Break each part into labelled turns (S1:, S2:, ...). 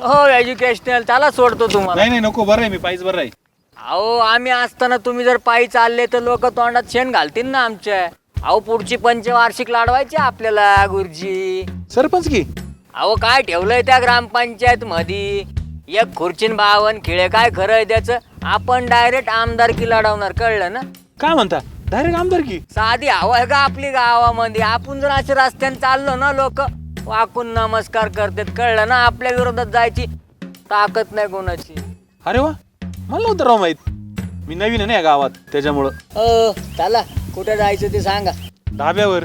S1: हो एज्युकेशनल त्याला सोडतो तुम्हाला.
S2: नाही नाही नको, बरं आहे मी पायीच बरं आहे.
S1: अहो आम्ही असताना तुम्ही जर पायी चालले तर लोक तोंडात शेण घालतील ना आमच्या. अहो पुढची पंचवार्षिक लाडवायची आपल्याला गुरुजी.
S2: सरपंच की
S1: अहो काय ठेवलंय त्या ग्रामपंचायत मध्ये, एक खुर्चीन 52 खिळे. काय खरं आहे त्याचं? आपण डायरेक्ट आमदारकी लढवणार, कळलं ना?
S2: काय म्हणता, डायरेक्ट आमदार की?
S1: साधी हवा आहे का आपली गावामध्ये? आपण जर असे रस्त्याने चाललो ना, लोक वाकून नमस्कार करतात, कळलं ना? आपल्या विरोधात जायची ताकद नाही कोणाची.
S2: अरे वा, मला नव्हतं राव माहित. मी नवीन आहे ना या गावात, त्याच्यामुळं.
S1: चला कुठे जायचं ते सांगा.
S2: धाब्यावर.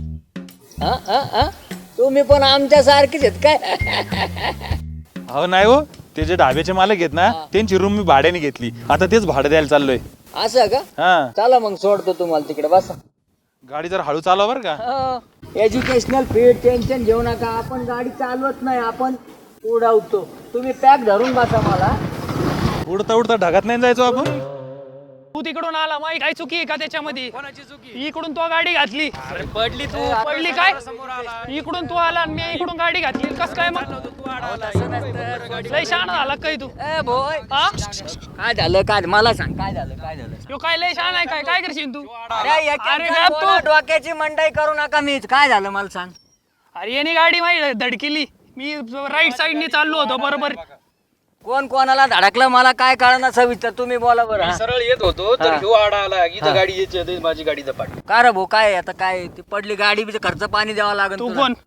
S1: तुम्ही पण आमच्या सारखीच आहेत काय?
S2: हो नाही हो, ते जे ढाब्याचे मालक आहेत ना, त्यांची रूम मी भाड्याने घेतली. आता तेच भाडं द्यायला चाललोय.
S1: असं का?
S2: हा,
S1: चला मग सोडतो तुम्हाला तिकडे, बसा.
S2: गाडी जर हळू चालवा बरं का.
S1: एज्युकेशनल फीड टेन्शन घेऊ नका. आपण गाडी चालवत नाही, आपण उडवतो. तुम्ही पॅक धरून बसा. मला
S2: उडता उडता ढगात नाही जायचो आपण.
S3: तू तिकडून आला, माही काय चुकी आहे का त्याच्यामध्ये? कोणाची चुकी? इकडून तो गाडी घातली. पडली तू. पडली काय? इकडून तू आला आणि मी इकडून गाडी घातली. कस काय मग? लय शहाणा झाला काय तू?
S1: भोय
S3: हा?
S1: काय झालं? काय मला सांग, काय झालं? काय झालं?
S3: यो काय लय शहाणा आहे? काय करशील तू?
S1: अरे
S3: गप तू.
S1: डोक्याची मंडई करू नका. मीच काय झालं मला सांग.
S3: अरे याने गाडी माही धडकेली. मी राईट साईडने चाललो होतो बरोबर.
S1: कोण कोणाला धडकलं मला काय कळणार, सविस्तर तुम्ही बोला बरं.
S4: सरळ येत होतो तर ह्यो आडा आला. इथं गाडी यायची, माझी गाडी झपाट.
S1: का रे भाऊ, काय आता? काय ती पडली गाडी बी, खर्च पाणी द्यावा लागेल.
S3: तू
S1: तुला.
S3: कोण?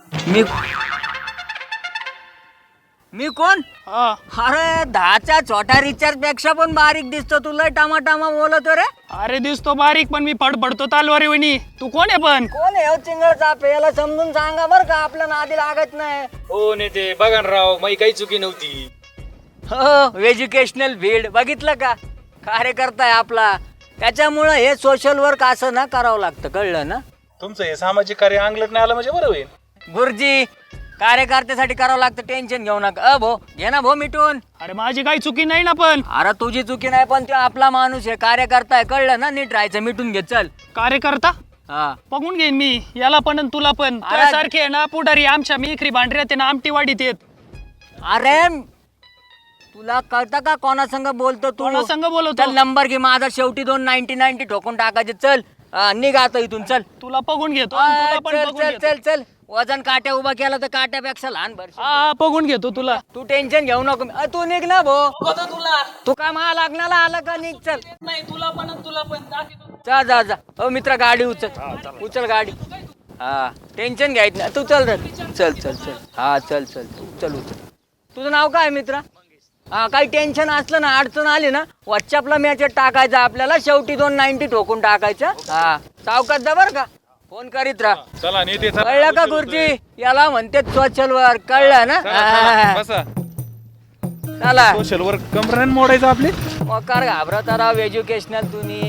S1: मी कोण?
S3: हा.
S1: अरे 10च्या छोट्या रिचार्ज पेक्षा पण बारीक दिसतो. तुला टामा बोलतो रे.
S3: अरे दिसतो बारीक पण मी फडफडतो तालवारी वणी. तू कोण आहे पण?
S1: कोण आहे चिंगळ चापे? याला समजून सांगा बरं का, आपल्या नादी लागत नाही.
S4: हो नेते बघा ना राव, माझी काही चुकी नव्हती.
S1: हो एज्युकेशनल फील्ड बघितलं का? कार्यकर्ता आहे आपला. त्याच्यामुळं हे सोशल वर्क असं ना करावं लागतं, कळलं ना?
S2: तुमचं हे सामाजिक कार्य अंगलट नाही आलं म्हणजे बरं होईल.
S1: गुरुजी कार्यकर्त्यासाठी करावं लागतं, टेन्शन घेऊ नका. भो घे ना भो मिटून.
S3: अरे माझी काही चुकी नाही ना पण.
S1: अरे तुझी चुकी नाही, पण तो आपला माणूस आहे, कार्यकर्ता आहे, कळलं ना? नीट राहायचं, मिटून घे. चल.
S3: कार्यकर्ता
S1: हा
S3: बघून घेईन मी, याला पण आणि तुला पण.
S1: अरे-
S3: सारखे आहे ना पुढारी आमच्या मिखरी भांडऱ्या ते ना आमटीवाडीत येत.
S1: अरे तुला कळतं का कोणासंग बोलतो तू?
S3: कोणा संग बोलवतो?
S1: चल नंबर घे माझा, शेवटी 290 ठोकून टाकायचे. चल निघ आता इथून. चल
S3: तुला बघून घेतो आणि तुला पण
S1: चल
S3: बघून
S1: चल
S3: घेतो.
S1: चल चल. वजन काट्या उभा केला तर काट्यापेक्षा लहान भर.
S3: हा बघून घेतो तुला.
S1: तू टेन्शन घेऊ नको. तू निघ ना भो.
S3: तुला
S1: तू काय मला लागणार आलं का? निघ. चल
S3: नाही तुला पण आणि तुला पण.
S1: जा जा जा. हो मित्रा गाडी उचल. उचल गाडी. हा टेन्शन घ्यायचं नाही. तू चल रे. चल चल चल. हा चल चल चल उचल. तुझं नाव काय मित्रा? हा काही टेन्शन असलं ना, अडचण आली ना, व्हॉट्सअपला मेसेज टाकायचा आपल्याला, शेवटी 290 ठोकून टाकायचं. हा सावकाश जा बरं का, फोन करीत राहा.
S2: चला नेते, चला.
S1: कळलं का गुरुजी? याला म्हणते सोशल वर्क, कळलं ना?
S2: बसा.
S1: चला
S2: सोशल वर्क कमरान मोडायचं आपले.
S1: मोकार घाबरता राव एज्युकेशनल तुम्ही.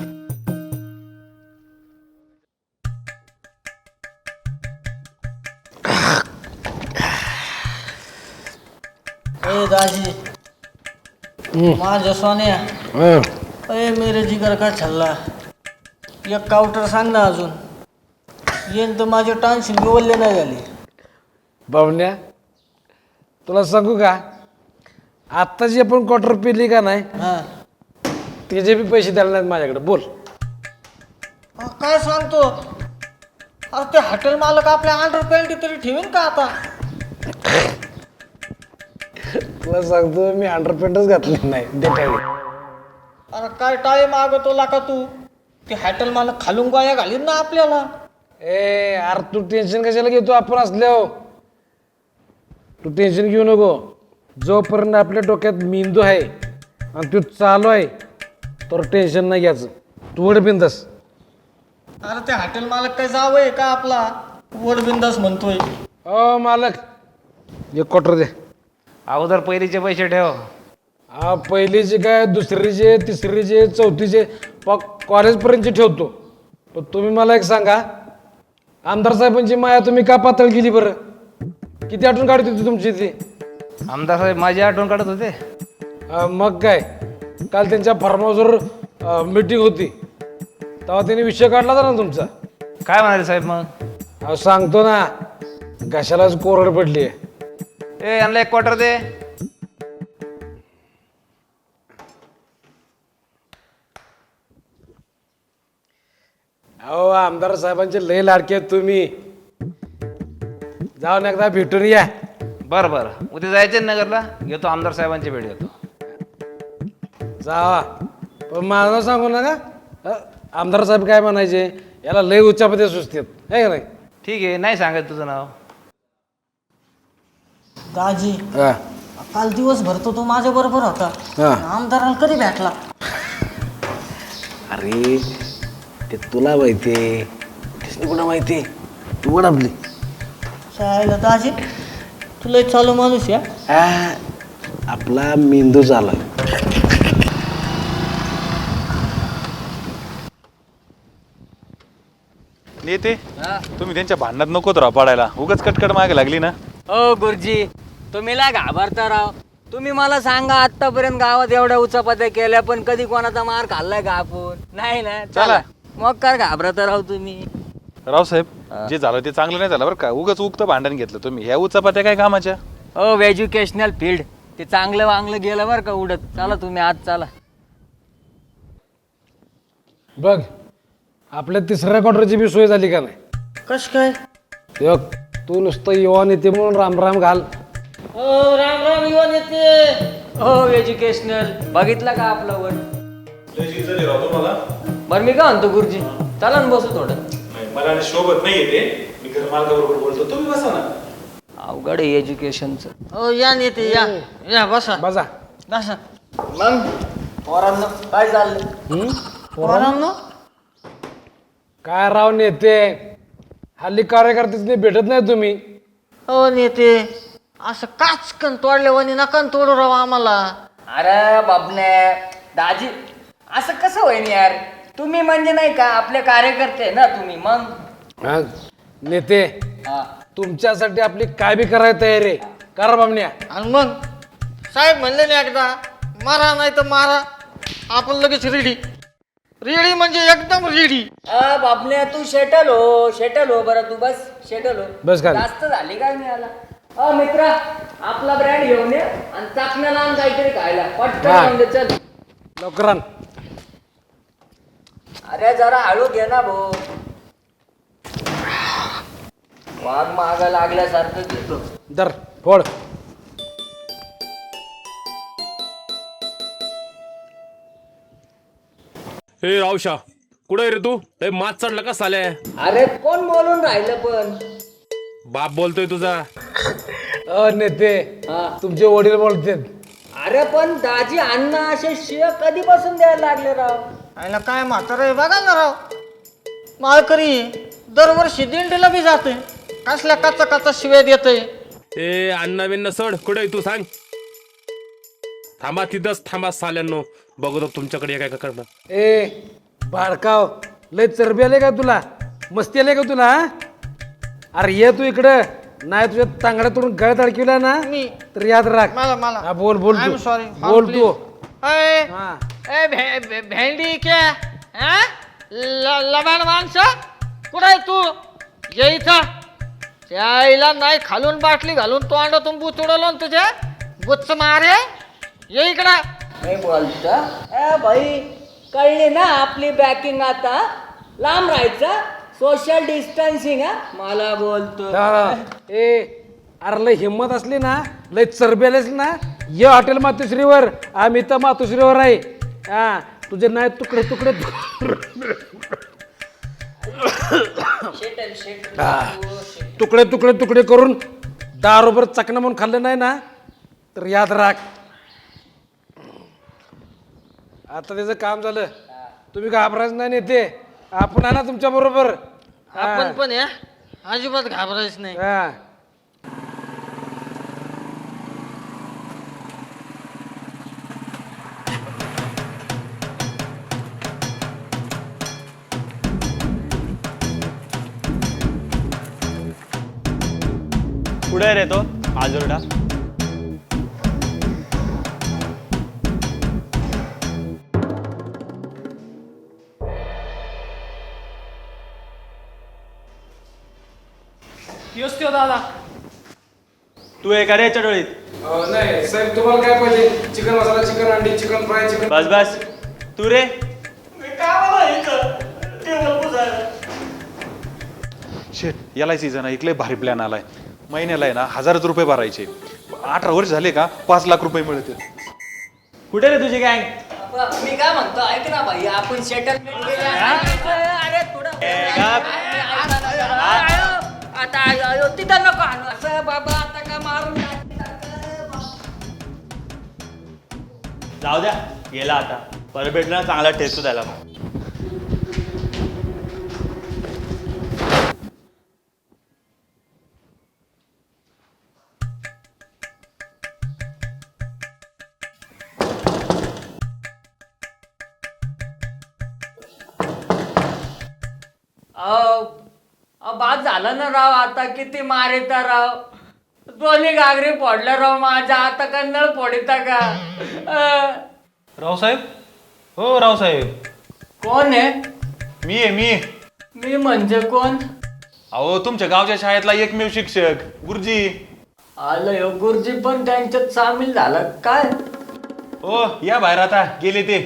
S5: दाजी माझ्या सोन्या, अरे मेरे जिगर का छल्ला, एक काउंटर सांग ना अजून. येईन तर माझे टान्शन बिवलले नाही झाले.
S6: बावण्या तुला सांगू का, आत्ता जी आपण क्वार्टर पिली का नाही,
S5: हा
S6: त्याचे बी पैसे द्यायला नाहीत माझ्याकडे. बोल.
S5: काय सांगतो? अरे ते हॉटेल मालक आपल्या अंडर पॅन्टी तरी ठेवीन का आता?
S6: तुला सांगतो मी अंडरपॅन्टच घातली नाही देठावी.
S5: अरे काय टाळे मागवतो लाका तू? ते हॉटेल मालक खालून गोया घालीन ना आपल्याला.
S6: ए अरे तू टेन्शन कशाला घेतो? आपण असल्यावर तू टेन्शन घेऊ नको. जोपर्यंत आपल्या डोक्यात मेंदू आहे आणि तू चालू आहे तर टेन्शन नाही घ्यायचं. तू वड बिंदस.
S5: अरे ते हॉटेल मालक काय जावंय का आपला? वड बिंदास म्हणतोय.
S6: ओ मालक एक क्वार्टर दे.
S4: अगोदर पहिलीचे पैसे ठेव.
S6: हा पहिलीचे काय, दुसरीचे, तिसरीचे, चौथीचे, कॉलेजपर्यंतचे ठेवतो. पण तुम्ही मला एक सांगा, आमदार साहेबांची माया तुम्ही का पातळ केली बरं? किती आठवण काढत होती तुमची ती?
S4: आमदार साहेब माझी आठवण काढत होते.
S6: मग काय, काल त्यांच्या फार्म हाऊसवर मीटिंग होती तेव्हा त्यांनी विषय काढला होता ना तुमचा.
S4: काय म्हणाले साहेब मग?
S6: सांगतो ना, कशालाच कोरड पडली आहे.
S4: ए यांना एक क्वार्टर दे.
S6: अहो आमदार साहेबांचे लय लाडके आहेत तुम्ही. जाऊन एकदा भेटून या.
S4: बरं बरं उद्या जायचं नगरला, घेतो आमदार साहेबांची भेट घेतो.
S6: जावा पण माझं नाव सांगू नका. आमदार साहेब काय म्हणायचे, याला लय उच्चापदे सुचतात आहे का नाही.
S4: ठीक आहे, नाही सांगत तुझं नाव.
S5: दाजी काल दिवसभर तो माझ्या बरोबर होता. आमदाराला कधी भेटला?
S6: अरे ते तुला माहितीये, त्याने कुठं माहिती, तू पण आपली.
S5: शाळेला दाजी तुला एक चालू माणूस या.
S6: आपला मेंदू झाला.
S2: नेते तुम्ही त्यांच्या भांडणात नकोत राव पडायला, उगाच कटकट मागे लागली ना.
S1: ओ गुरुजी तुम्ही ला घाबरता राव. तुम्ही मला सांगा आतापर्यंत गावात एवढ्या उचापत्या केल्या पण कधी कोणाचा मार खाल्लाय का आपण? नाही ना. चला मग काय घाबरता राव तुम्ही.
S2: रावसाहेब जे झालं ते चांगलं नाही झालं बरं का, उगाच उगतं भांडण घेतलं तुम्ही. ह्या उचापात्या काय कामाच्या?
S1: ओ एज्युकेशनल फील्ड ते चांगलं वांगलं गेलं बरं का उडत. चला तुम्ही आज चला.
S6: बघ आपल्या तिसऱ्या क्वार्टरची बी सोय झाली का नाही.
S5: कस काय?
S6: बघ तू नुसतं युवा नेते म्हणून राम राम घाल.
S5: हो राम राम युवा नेते.
S1: हो एज्युकेशनल बघितलं का आपलं वर. बरं मी काय म्हणतो गुरुजी चला ना बसू थोडं.
S2: मला शोभत नाही येते, मी घर मालकाबरोबर बोलतो, तुम्ही बसा ना.
S1: अवघड आहे एज्युकेशनचं.
S5: हो या नेते या या बसा
S6: बसा.
S5: बसा.
S1: मग पोरांनो काय चाललंय?
S5: पोरांनो
S6: काय राव नेते, हल्ली कार्यकर्तेच भेटत नाही तुम्ही.
S5: हो नेते असं काचकन तोडल्यावानी नका न तोडू राव आम्हाला.
S1: अरे बाबने दाजी असं कसं होईन यार. तुम्ही म्हणजे नाही का आपले कार्यकर्ते आहे ना तुम्ही. मग
S6: हा, नेते
S1: हा.
S6: तुमच्यासाठी आपली काय बी करायला तयार आहे. करा बामण्या.
S5: आणि मग साहेब म्हणले ना एकदा मारा नाही तर मारा, आपण लगेच रेडी. रेडी म्हणजे एकदम रेडी.
S1: बाबने तू शेटल हो बरं तू बस शेटल हो.
S6: बस खाली.
S1: जास्त झाली काय मी आला. मित्रा आपला ब्रँड घेऊन ये आणि चाकण्याला आण काहीतरी खायला पटकन
S6: हा.
S1: घेऊन दे, चल.
S6: लवकर आण.
S1: अरे जरा हळू घे ना भाऊ. वाघ माग लागल्यासारखं घेतो.
S6: दर फोड.
S7: हे रावशा कुठे रे तू? हे मात चढला का साल्या?
S1: अरे कोण बोलून राहिलं पण?
S7: बाप बोलतोय तुझा.
S6: नेते
S1: हा.
S6: तुमचे वडील बोलतात.
S1: अरे पण दाजी अण्णा असे शिय कधीपासून द्यायला लागले राव?
S5: आयला काय म्हातारं आहे बघा ना राव. माळकरी दरवर्षी दिंडीला बी जाते, कसल्या कच्चा कच्चा शिव्या देतोय.
S7: ए अण्णा बिन्ना सड कुठे तू सांग. थांबा तिथंच थांबा साल्यांनो, बघतो तुमच्याकडे काय करणार.
S6: ए बाळकाव लय चरबी आले का तुला, मस्ती आले का तुला हा? अरे ये तू इकडं, नाही तुझ्या तांगड्यातून गळ्यात अडकिवला ना
S5: मी
S6: तर याद राख.
S5: मला
S6: हा, बोल बोल
S5: I'm
S6: तू.
S5: sorry.
S6: बोल तू.
S5: अय,
S6: हा.
S5: ए भेंडी क्या हा? लबाड माणसं कुठं आहे तू? ये इथं. त्या आईला नाही खालून बाटली घालून तो अंडातून बूत उडवलं ना तुझ्या गुच्च मारे. ये इकडं.
S1: नाही बोलता भाई कळली ना आपली बॅकिंग. आता लांब राहायचं, सोशल डिस्टन्सिंग. मला बोलतो.
S6: हा. ए अरे लय हिंमत असली ना, लय चरबी आली असली ना, ये हॉटेल मातोश्रीवर. आम्ही तर मातोश्रीवर आहे. हा तुझे नाही तुकडे तुकडे तुकडे तुकडे तुकडे करून दारोबर चकना म्हणून खाल्लं नाही ना तर याद राख. आता त्याचं काम झालं, तुम्ही घाबरायचं नाही नेते. आपण आहे ना तुमच्या बरोबर.
S5: आपण पण या अजिबात घाबरायच नाही.
S6: हा.
S2: कुठे रे तो आजोरडा?
S3: योच त्यो दादा.
S2: तू आहे का रे चटोळीत?
S6: नाही साहेब, तुम्हाला काय पाहिजे? चिकन मसाला, चिकन अंडी, चिकन फ्राय, चिकन.
S2: बस बस. तू रे?
S1: काय मला इथं टेबल पुसायला.
S2: शेट एल आय सीचा ना इकडे भारी प्लॅन आलाय. महिन्याला आहे ना 1000 रुपये भरायचे. 18 वर्ष झाले का 5 लाख रुपये मिळतील.
S1: कुठे रे तुझी गँग? मी काय म्हणतो ऐक ना भाई, आपण सेटलमेंट अरे थोडं आता तिथं नको आणू असं बाबा, आता का मारून
S8: जाऊ द्या, गेला आता. परत भेटला चांगला टेस्ट द्यायला.
S1: बाद झालं ना राव, आता किती मारिता राव. दोन्ही घागरी फोडल्या राव माझ्या, आता का नळ फोडिता का?
S2: रावसाहेब, हो रावसाहेब.
S1: कोण आहे?
S2: मी आहे मी.
S1: मी म्हणजे कोण?
S2: अहो तुमच्या गावच्या शाळेतला एकमेव शिक्षक गुरुजी.
S1: आलं हो गुरुजी पण त्यांच्यात सामील झालं काय?
S2: हो या बाहेर, आता गेले ते.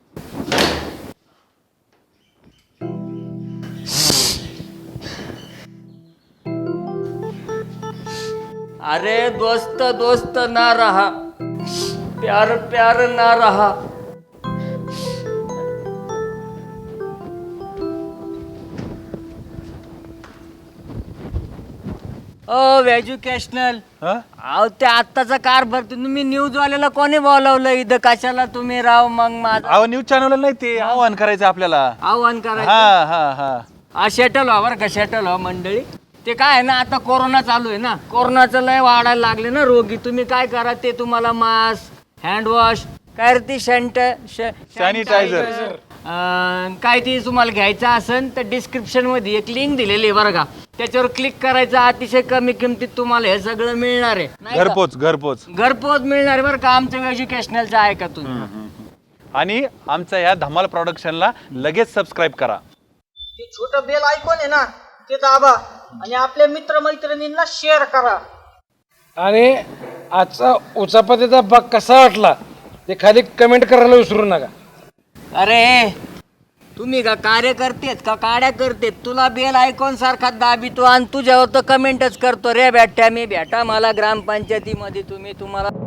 S1: अरे दोस्त दोस्त ना रहा, प्यार प्यार ना रहा. ओ एज्युकेशनल, अहो ते आत्ताचा कारभार तुम्ही न्यूजवाल्याला कोणी बोलावलं इथं? कशाला तुम्ही राव? मग माझं
S2: अहो न्यूज चॅनल नाही, ते आव्हान करायचं आपल्याला.
S1: आव्हान करायचं?
S2: हा हा हा.
S1: हा शेटल व्हा बरं का, शेटल व्हा मंडळी. ते काय आहे ना, आता कोरोना चालू आहे ना, कोरोनाचं लय वाढायला लागले ना रोगी. तुम्ही काय करा, ते तुम्हाला मास्क, हँडवॉश, काय रे ती
S2: सॅनिटायझर,
S1: काय ती तुम्हाला घ्यायचं असेल तर डिस्क्रिप्शन मध्ये एक लिंक दिलेली आहे बरं का, त्याच्यावर क्लिक करायचं. अतिशय कमी किमतीत तुम्हाला हे सगळं मिळणार आहे. नाही का?
S2: घरपोच.
S1: घरपोच मिळणार आहे बरं का. आमचं एज्युकेशनलचं आहे का तुम्ही?
S2: आणि आमच्या या धमाल प्रोडक्शनला लगेच सबस्क्राईब करा.
S5: ते छोटं बेल आयकॉन आहे ना, ते दाबा आणि आपल्या मित्रमैत्रिणींना शेअर करा.
S6: आणि आजचा उचापतीचा भाग कसा वाटला ते खाली कमेंट करायला विसरू नका.
S1: अरे तुम्ही का कार्यकर्तेत का काड्या करतेत? तुला बेल आयकॉन सारखा दाबितो आणि तुझ्यावर तर कमेंटच करतो रे. भेटा मी भेटा मला ग्रामपंचायतीमध्ये, तुम्हाला